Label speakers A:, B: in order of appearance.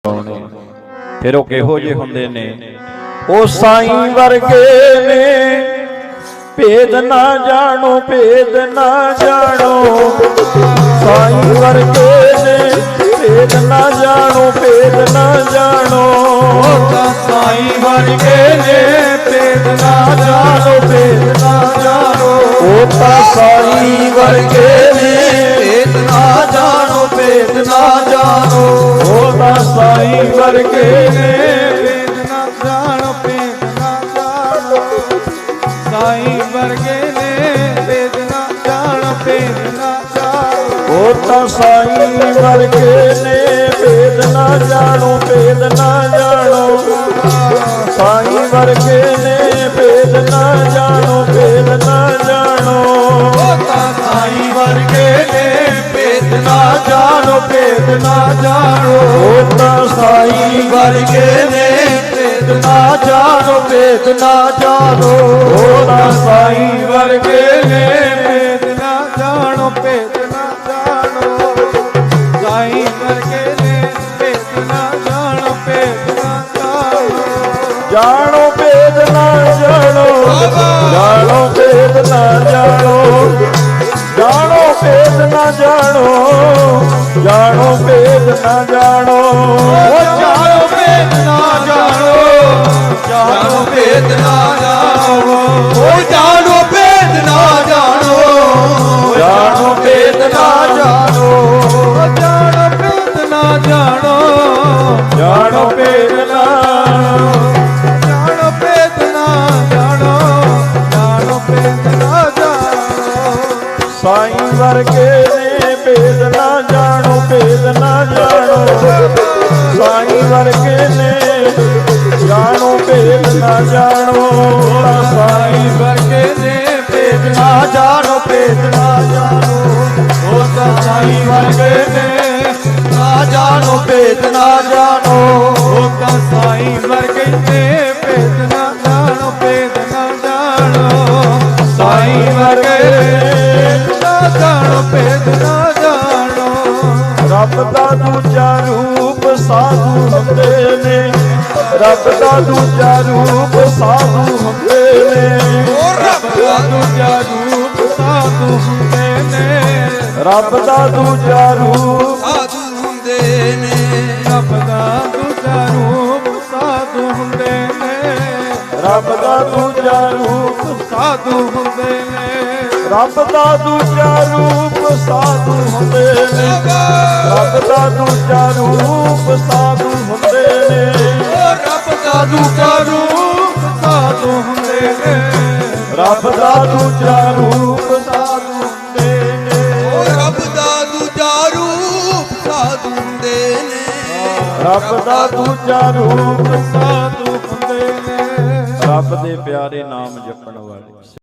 A: ਫਿਰ ਉਹ ਕਿਹੋ ਜਿਹੇ ਹੁੰਦੇ ਨੇ? ਉਹ ਸਾਈਂ ਵਰਗੇ ਨੇ, ਭੇਦ ਨਾ ਜਾਣੋ, ਭੇਦ ਨਾ ਜਾਣੋ। ਸਾਈਂ ਵਰਗੇ ਨੇ, ਭੇਦ ਨਾ ਜਾਣੋ, ਭੇਦ ਨਾ ਜਾਣੋ।
B: ਉਹ ਤਾਂ ਸਾਈਂ ਵਰਗੇ ਨੇ, ਭੇਦ ਨਾ ਜਾਣੋ, ਭੇਦ ਨਾ ਜਾਣੋ।
A: ਉਹ ਤਾਂ ਸਾਈਂ ਵਰਗੇ ਨੇ,
B: ਭੇਦ ਨਾ ਜਾਣੋ, ਭੇਦ ਨਾ ਜਾਣੋ।
A: ਉਹ ਤਾਂ ਸਾਈਂ ਵਰਗੇ ਨੇ,
B: ਭੇਦ ਨਾ ਜਾਣੋ, ਭੇਦ ਨਾ ਜਾਣੋ। ਸਾਈਂ ਵਰਗੇ ਨੇ, ਭੇਦ ਨਾ ਜਾਣੋ, ਭੇਦ ਨਾ ਜਾਣੋ।
A: ਉਹ ਤਾਂ ਸਾਈਂ ਵਰਗੇ ਨੇ, ਭੇਦ ਨਾ ਜਾਣੋ, ਭੇਦ ਨਾ ਜਾਣੋ। ਸਾਈਂ ਵਰਗੇ ਨੇ, ਭੇਦ ਨਾ ਜਾਣੋ, ਭੇਦ ਨਾ ਜਾਣੋ।
B: ਉਹ ਤਾਂ ਸਾਈਂ ਵਰਗੇ ਨੇ, ਭੇਦ ਨਾ ਜਾਣੋ, ਭੇਦ ਨਾ ਜਾਣੋ।
A: ਉਹ ਤਾਂ ਸਾਈਂ
B: ਵਰਗੇ ਨੇ, ਭੇਦ ਨਾ ਜਾਣੋ, ਭੇਦ ਨਾ ਜਾਣੋ।
A: ਉਹ ਤਾਂ ਸਾਈਂ ਵਰਗੇ ਨੇ,
B: ਭੇਦ ਨਾ ਜਾਣੋ, ਭੇਦ ਨਾ ਜਾਣੋ। ਸਾਈਂ ਵਰਗੇ ਨੇ, ਭੇਦ ਨਾ ਜਾਣੋ, ਭੇਦ ਨਾ ਜਾਣੋ।
A: ਜਾਣੋ ਭੇਦ ਨਾ ਜਾਣੋ, ਜਾਣੋ ਭੇਦ ਨਾ ਜਾਣੋ। ਜਾਣੋ ਭੇਦ ਨਾ ਜਾਣੋ, ਜਾਣੋ ਭੇਦ ਨਾ ਜਾਣੋ।
B: ਉਹ ਜਾਣੋ ਭੇਦ ਨਾ ਜਾਣੋ, ਜਾਣੋ ਭੇਦ ਨਾ ਜਾਣੋ। ਉਹ ਜਾਣੋ ਭੇਦ ਨਾ ਜਾਣੋ, ਜਾਣੋ ਭੇਦ ਨਾ ਜਾਣੋ। ਉਹ ਜਾਣੋ ਭੇਦ ਨਾ ਜਾਣੋ,
A: ਜਾਣੋ ਭੇਦ ਨਾ
B: ਜਾਣੋ ਭੇਦ ਨਾ ਜਾਣੋ, ਜਾਣੋ ਭੇਦ ਨਾ ਜਾਣੋ।
A: ਸਾਈਂ ਵਰਗੇ ਨੇ, ਭੇਦ ਨਾ ਜਾਣੋ, ਭੇਦ ਨਾ ਜਾਣੋ। ਸਾਈਂ ਵਰਗੇ ਨੇ, ਜਾਣੋ ਭੇਦ ਨਾ ਜਾਣੋ। ਤਾਂ ਸਾਈਂ
B: ਵਰਗੇ ਨੇ, ਭੇਦ ਨਾ ਜਾਣੋ, ਭੇਦ ਨਾ ਜਾਣੋ। ਉਹ ਤਾਂ ਸਾਈਂ ਵਰਗੇ ਨੇ, ਨਾ ਜਾਣੋ, ਭੇਦ ਨਾ ਜਾਣੋ। ਉਹ ਤਾਂ ਸਾਈਂ ਵਰਗੇ ਨੇ, ਭੇਦ ਨਾ ਜਾਣੋ, ਭੇਦ ਨਾ ਜਾਣੋ। ਸਾਈਂ ਵਰਗੇ ਨਾ ਜਾਣੋ, ਭੇਦ ਨਾ ਜਾਣੋ।
A: ਰੱਬ ਦਾ ਦੂਜਾ ਰੂਪ ਸਾਧੂ ਹੁੰਦੇ ਨੇ, ਰੱਬ ਦਾ ਦੂਜਾ ਰੂਪ ਸਾਧੂ ਹੁੰਦੇ ਨੇ।
B: ਉਹ ਰੱਬ ਦਾ ਦੂਜਾ ਰੂਪ ਸਾਧੂ ਹੁੰਦੇ ਨੇ।
A: ਰੱਬ ਦਾ ਦੂਜਾ ਰੂਪ
B: ਸਾਧੂ ਹੁੰਦੇ ਨੇ। ਰੱਬ ਦਾ ਦੂਜਾ ਰੂਪ ਸਾਧੂ ਹੁੰਦੇ ਨੇ।
A: ਰੱਬ ਦਾ ਦੂਜਾ ਰੂਪ
B: ਸਾਧੂ ਹੁੰਦੇ ਨੇ।
A: ਰੱਬ ਦਾ ਦੂਜਾ ਰੂਪ ਸਾਧੂ ਹੁੰਦੇ ਨੇ। ਰੱਬ ਦਾ ਦੂਜਾ ਰੂਪ ਸਾਧੂ ਹੁੰਦੇ ਨੇ।
B: ਉਹ ਰੱਬ ਦਾ ਦੂਜਾ ਰੂਪ ਸਾਧੂ ਹੁੰਦੇ ਨੇ।
A: ਰੱਬ ਦਾ ਦੂਜਾ ਰੂਪ ਸਾਧੂ ਹੁੰਦੇ ਨੇ।
B: ਉਹ ਰੱਬ ਦਾ ਦੂਜਾ ਰੂਪ ਸਾਧੂ ਹੁੰਦੇ ਨੇ।
A: ਰੱਬ ਦਾ ਦੂਜਾ ਰੂਪ
B: ਸਾਧੂ ਹੁੰਦੇ ਨੇ।
A: ਰੱਬ ਦੇ ਪਿਆਰੇ ਨਾਮ ਜਪਣ ਵਾਲੇ।